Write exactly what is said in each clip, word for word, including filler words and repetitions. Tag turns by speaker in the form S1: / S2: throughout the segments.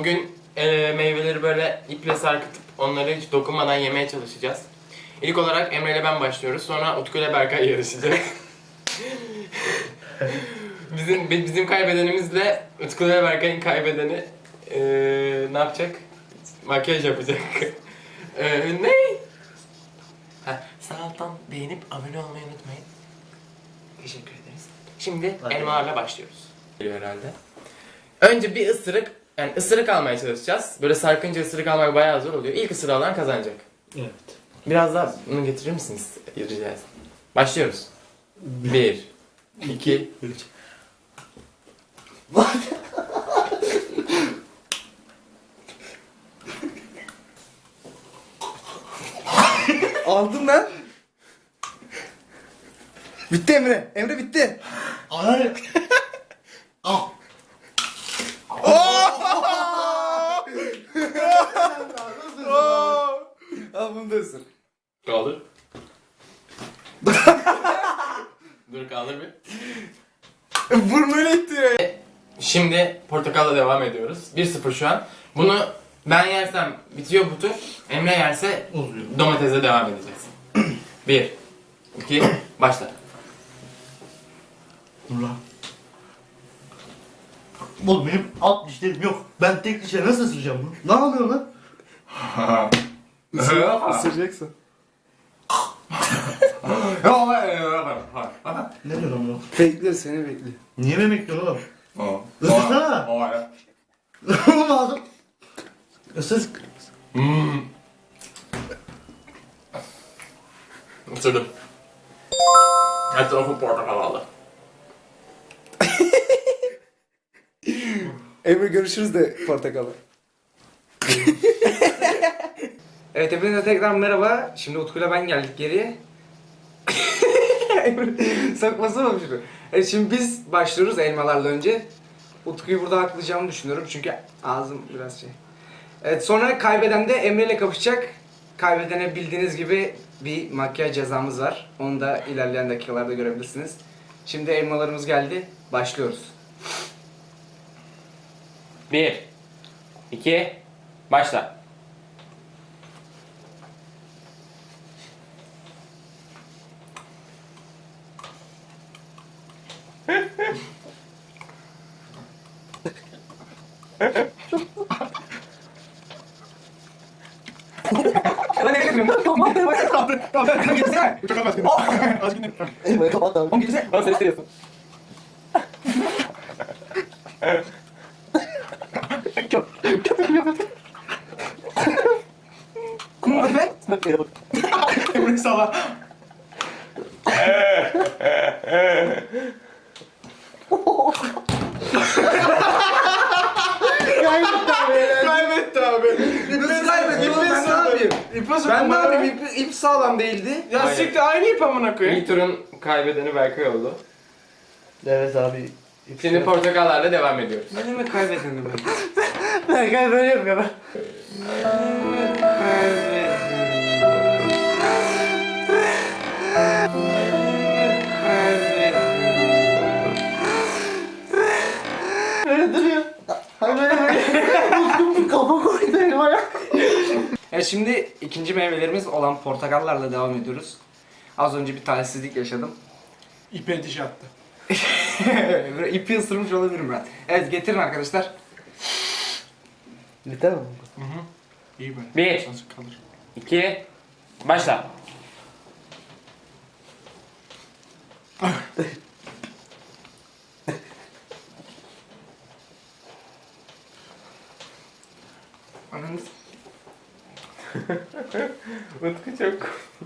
S1: Bugün e, meyveleri böyle iple sarkıtıp onları hiç dokunmadan yemeye çalışacağız. İlk olarak Emre ile ben başlıyoruz. Sonra Utku ile Berkay yarışacak. bizim bizim kaybedenimizle Utku ile Berkay'ın kaybedeni e, ne yapacak? Makyaj yapacak. e, ne? Ha, sağ alttan beğenip abone olmayı unutmayın. Teşekkür ederiz. Şimdi
S2: Hadi.
S1: elmalarla başlıyoruz. Geliyor herhalde. Önce bir ısırık, yani ısırık almaya çalışacağız. Böyle sarkınca ısırık almak bayağı zor oluyor. İlk ısırığı alan kazanacak.
S2: Evet.
S1: Biraz daha bunu getirir misiniz? Rica ederim. Başlıyoruz. Bir, iki,
S2: üç.
S3: Aldın lan. Bitti Emre. Emre bitti.
S2: Ay. Al.
S3: Al bunu da ısır.
S1: Kaldır. Dur kaldır bir.
S3: Burnuyla ittiriyor.
S1: Şimdi portakalla devam ediyoruz. bir sıfır şu an. Bunu ben yersem bitiyor bu tur. Emre yerse
S2: Uzuyor.
S1: domatesle devam edeceğiz. bir, iki, başla.
S2: Dur lan. Oğlum benim alt dişlerim yok. Ben tek dişe nasıl ısıracağım bunu? Ne yapıyorsun lan?
S3: Isıracaksın.
S2: Ne diyorsun lan?
S3: Bekler seni bekliyor.
S2: Niye beni bekliyorsun oğlum? Isırsana. Oğlum ağzım. Isır.
S1: Hmm. Isırdım. Her tarafı portakal aldı.
S3: Emre görüşürüz de portakalı.
S4: Evet, hepinize tekrar merhaba. Şimdi Utku'yla ben geldik geriye. Sakması mı şunu? Evet, şimdi biz başlıyoruz elmalarla önce. Utku'yu burada haklayacağımı düşünüyorum çünkü ağzım biraz şey. Evet, sonra kaybeden de Emre ile kapışacak. Kaybedene bildiğiniz gibi bir makyaj cezamız var. Onu da ilerleyen dakikalarda görebilirsiniz. Şimdi elmalarımız geldi. Başlıyoruz.
S1: bir, iki, başla.
S2: Elmayı kapat abi.
S1: Bana ses veriyorsun.
S2: Emre sala.
S3: Kaybetti abi.
S4: Nasıl kaybediyor oğlum, ben ne yapayım? Ben ne yapayım? İp, ip sağlam değildi.
S3: Ya
S1: Aynen.
S3: siktir aynı ip amına koyayım.
S1: İlk turun kaybedeni Berkay oldu.
S2: Evet abi.
S1: Şimdi portakallarla devam ediyoruz.
S4: Ne demek kaybedenim ben?
S2: Berkay böyle yapıyor ben. Böyle duruyor. Hani böyle böyle. Kafa koydu elmaya.
S4: Evet, şimdi ikinci meyvelerimiz olan portakallarla devam ediyoruz. Az önce bir talihsizlik yaşadım.
S3: İpe diş attı.
S4: Böyle ipi ısırmış olabilirim ben. Evet, getirin arkadaşlar.
S2: Biter mi?
S3: İyi böyle.
S1: Bir.
S3: Azıcık kalır.
S1: iki, başla.
S4: Ananız.
S1: Utku çok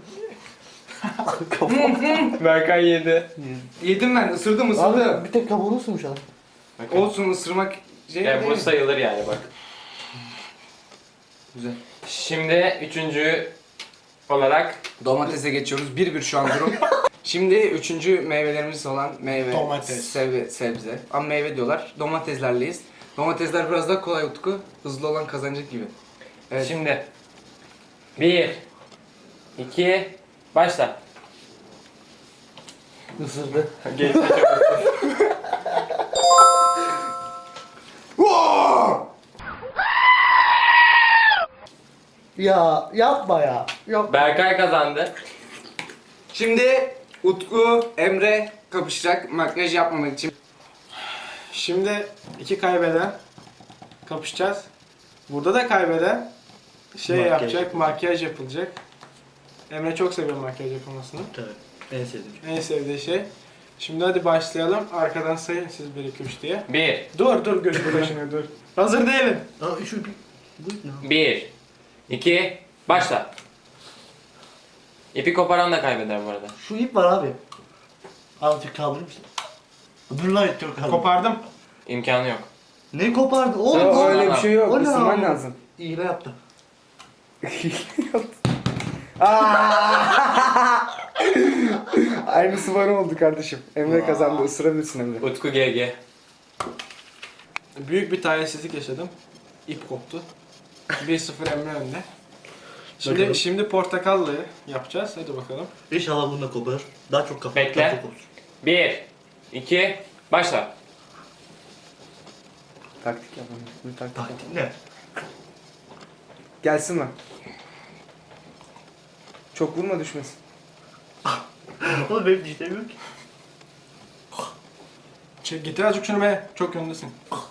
S1: Berkay yedi.
S4: Yedim ben, ısırdım ısırdım.
S2: Abi bir tek kabuğunu ısırmış adam.
S4: Olsun, ısırmak şey
S1: Yani
S4: değil
S1: bu
S4: mi?
S1: sayılır yani bak.
S4: Güzel.
S1: Şimdi üçüncü olarak
S4: Domatese geçiyoruz. Bir bir şu an durum. Şimdi üçüncü meyvelerimiz olan meyve,
S3: Domates.
S4: sebze, sebze. Ama meyve diyorlar. Domateslerleyiz. Domatesler biraz daha kolay Utku. Hızlı olan kazanacak gibi. Evet.
S1: şimdi bir, iki, başla.
S2: Isırdı.
S1: Geçti çok.
S2: Ya yapma ya. Yok.
S1: Berkay kazandı.
S4: Şimdi Utku, Emre kapışacak makyaj yapmamak için.
S3: Şimdi iki kaybeden kapışacağız. Burada da kaybeden şey
S2: Makyaj.
S3: yapacak, makyaj yapılacak. Emre çok seviyor makyaj yapılmasını.
S2: Tabii. En sevdiğim şey.
S3: En sevdiği şey. Şimdi hadi başlayalım. Arkadan sayın siz bir iki üç diye.
S1: Bir.
S3: Dur dur gözümü başına dur. Hazır değilim.
S2: Aa şu bir... Bu ne?
S1: Bir. iki. Başla. İpi koparan da kaybeder bu arada.
S2: Şu ip var abi. Azıcık kaldırır mısın? Dur lan çok kaldı.
S3: Kopardım.
S1: İmkanı yok.
S2: Ne kopardı? Oğlum
S4: Yok,
S2: o-
S4: öyle bir şey yok.
S2: o ne
S4: Isınman
S2: abi?
S4: lazım.
S2: İğne yaptı.
S4: Aynısı bana oldu kardeşim. Emre kazandı. Isırabilirsin Emre.
S1: Utku G G.
S3: Büyük bir talihsizlik yaşadım. İp koptu. bir sıfır Emre önde. Şimdi
S2: Bakalım.
S3: şimdi portakallıyı yapacağız. Hadi bakalım.
S2: İnşallah bunu da koparır. Daha çok kafa.
S1: Bekle.
S2: daha çok kopar.
S1: Bir. iki. Başla.
S4: Taktik yapalım. Bir taktik yapalım.
S2: Taktik ne?
S4: Gelsin mi? Çok vurma düşmesin.
S2: Oğlum benim dişlerim yok ki.
S3: Şey, getir azıcık şunu be. Çok öndesin.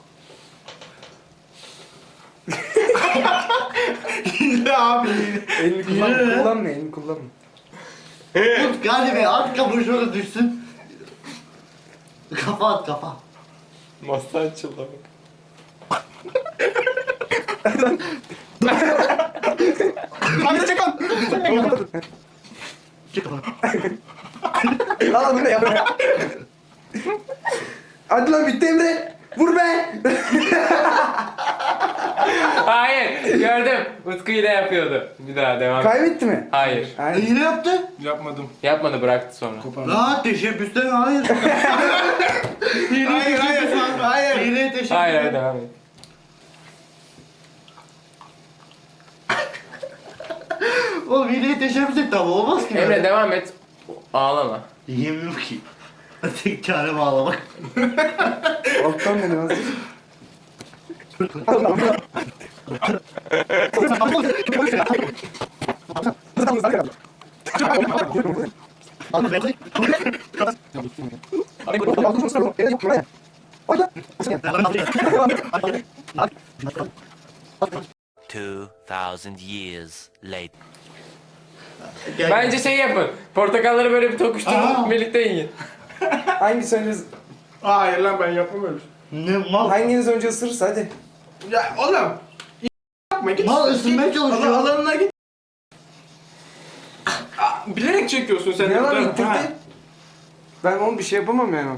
S3: Hile abi.
S4: Elini kullanma.
S2: Yürü.
S4: Kullanma elini kullanma.
S2: Tut galiba at kabuğu şöyle düşsün. Kafa at kafa.
S1: Masa açıldı bak.
S3: Hadi çek on.
S2: Çık kafanı.
S4: Al bunu yap. Hadi lan bitti Emre. Vur be.
S1: Hayır. Gördüm. Utku yine yapıyordu. Bir daha devam.
S4: Kaybetti mi?
S1: Hayır.
S4: Aynen.
S2: Yine yaptı.
S3: Yapmadım.
S1: Yapmadı, bıraktı sonra.
S3: Kopardım.
S2: Lan teşebbüsten hayır. Hileye
S3: Hayır hayır
S2: teşebbüs.
S3: hayır.
S2: Hileye teşebbüs.
S1: Hayır hayır devam et.
S2: Oğlum hileye teşebbüs etti ama olmaz ki.
S1: Emre
S2: böyle.
S1: devam et. Ağlama.
S2: Yiyemiyorum ki. Tek çare bağlamak.
S4: Alttan dene azıcık.
S2: Abi ben
S5: Two thousand years later.
S1: Bence şey yapın. Portakalları böyle bir
S2: Aa.
S1: tokuşturun, birlikte yiyin.
S4: Hanginiz önce,
S3: Hayır lan ben yapmam öyle şey.
S2: ne mal.
S4: hanginiz önce ısırırsa hadi.
S3: Ya oğlum. Yapma git.
S2: Mal ısınmaya çalışıyor.
S3: Allah alanına git. Aa, bilerek çekiyorsun sen.
S4: Ne lan
S3: Ha.
S4: ittirdi? Ben oğlum bir şey yapamam yani.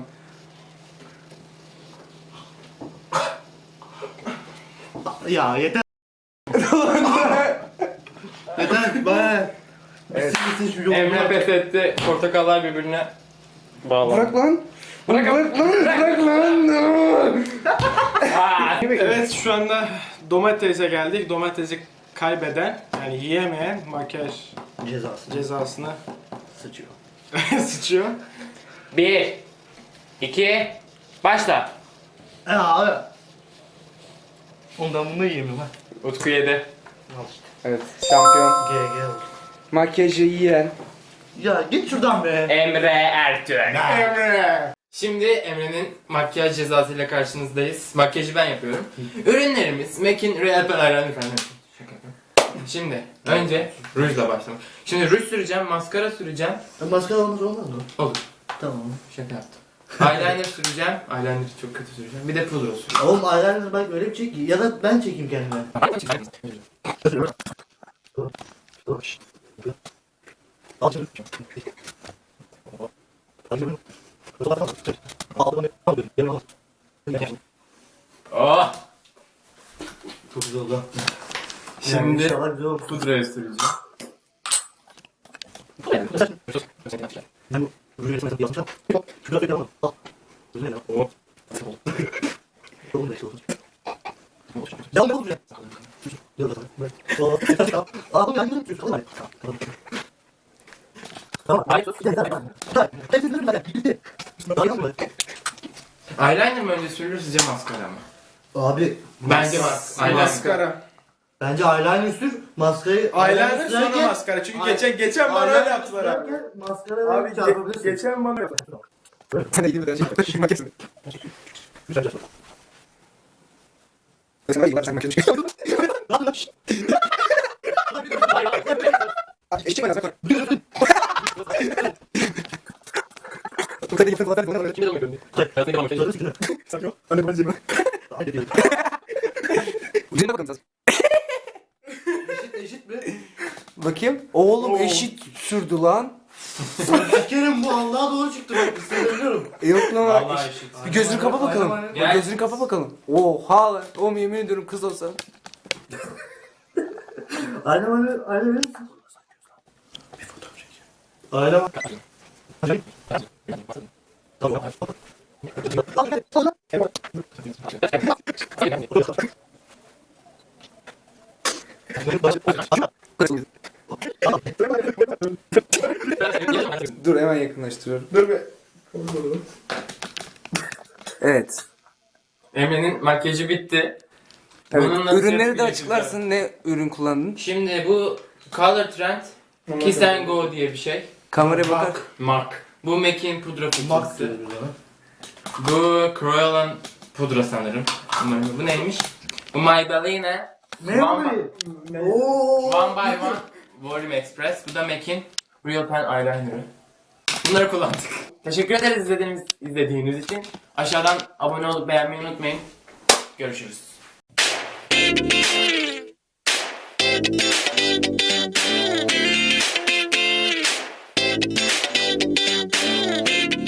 S2: Ya yeter. Yeter be.
S4: Evet.
S2: Siz şu yolunu.
S1: Emre pes etti. Portakallar birbirine bağlandı.
S4: Bırak lan.
S1: Bırak.
S4: Bırak lan. Bırak lan.
S1: Aa.
S3: Evet şu anda domatese geldik. Domatesi kaybeden yani yiyemeyen makyaj
S2: Cezası.
S3: cezasını
S2: Sıçıyor.
S3: sıçıyor.
S1: Bir. iki. Başla.
S2: E abi. Ondan bunu yiyemiyorum ha.
S1: Utku yedi.
S2: Al işte.
S4: Evet şampiyon.
S2: G G oldu.
S4: Makyajı yiyen.
S2: Ya git şuradan be.
S1: Emre Ertürk.
S3: Emre.
S1: Şimdi Emre'nin makyaj cezasıyla karşınızdayız. Makyajı ben yapıyorum. Ürünlerimiz Mac'in Real Pearl efendim. Şaka yapıyorum. Şimdi önce rujla başlamak. Şimdi ruj süreceğim, maskara süreceğim.
S2: Maskara olmaz olmaz mı?
S1: Olur.
S2: Tamam.
S1: Şaka yaptım. Eyeliner süreceğim. Eyeliner çok kötü süreceğim. Bir de pudra süreceğim.
S2: Oğlum eyeliner bak öyle bir çek ki. Ya da ben çekeyim kendime. Al şunu. Al şunu. Al bunu. Al bunu. Yemin ol.
S1: Oh!
S2: Çok güzel oldu.
S1: Şimdi
S2: İnşallah güzel olur.
S1: pudrayı süreceğim.
S2: Ben bu rujun resmini yazmışım. Şurada bir tamam. Al. Rujun ne lan?
S1: Oh.
S2: Oğlum ne işte olsun. Devam edelim rujun. Dur bakalım. Bırak. Oo, biraz kal. Aa, bu yanıyor. Kalın hadi. Tamam. Tamam.
S1: Hayır.
S2: Gel, gel, gel. Gel. Hepsini sürün hadi. Bitti. Daha yapma.
S1: Eyeliner mi önce sürülür sizce maskara mı?
S2: Abi.
S1: Bence mas eyeliner.
S3: Maskara.
S2: Bence eyeliner sür, maskarayı...
S3: Eyeliner sonra
S2: sürerken-
S3: maskara. Çünkü
S2: Ay-
S3: geçen geçen bana
S2: eyeliner
S3: öyle yaptılar abi.
S2: sürerken Maskarayı
S3: Abi
S2: çarpabilirsin.
S3: ge- geçen bana yaptılar.
S2: Sen de ilgili bir şey yapma. Kesin. Güzel güzel. Sen de sen makyaj çıkıyorsun. Ne yapıyorsun? Eşek ben zaten. Bu kadar yapın zaten bana öyle.
S1: Kim de dönüyor? Hayatında ilk makyaj yapıyor.
S2: Sanki o. Anne ben cebime. Hadi diyelim. Ucuna bakalım sen. Eşit eşit mi?
S4: Bakayım. Oğlum
S3: Oo.
S4: eşit sürdü lan.
S2: Sikerim bu Allah'a doğru çıktı bak. Söylüyorum.
S4: E, Yok lan.
S1: Vallahi
S4: eşit.
S1: eşit.
S4: Bir gözünü kapa bakalım.
S2: Aynen,
S1: aynen.
S4: Bir gözünü kapa bakalım. Oha lan. Oğlum yemin ediyorum kız olsa.
S2: Aynen öyle. Aynen öyle. Aynen bak. Tamam.
S4: Dur hemen yakınlaştırıyorum.
S3: Dur be.
S4: Evet.
S1: Emre'nin makyajı bitti.
S4: Evet.
S1: Bunun nasıl
S4: Ürünleri de
S1: yapılacak
S4: açıklarsın. Ne ürün kullandın?
S1: Şimdi bu Color Trend Kiss and Go diye bir şey.
S4: Kameraya bakar.
S1: MAC. Bu MAC'in pudra
S2: Max
S1: fırçası.
S2: diyoruz ona.
S1: Bu Crayolan pudra sanırım. Umarım. Bu neymiş? Bu Maybelline
S2: Ne
S1: One,
S2: bu? Ooo.
S1: One by One Volume Express. Bu da MAC'in Real Pen Eyeliner'ı. Bunları kullandık. Teşekkür ederiz izlediğiniz, izlediğiniz için. Aşağıdan abone olup beğenmeyi unutmayın. Görüşürüz.
S6: Thank you.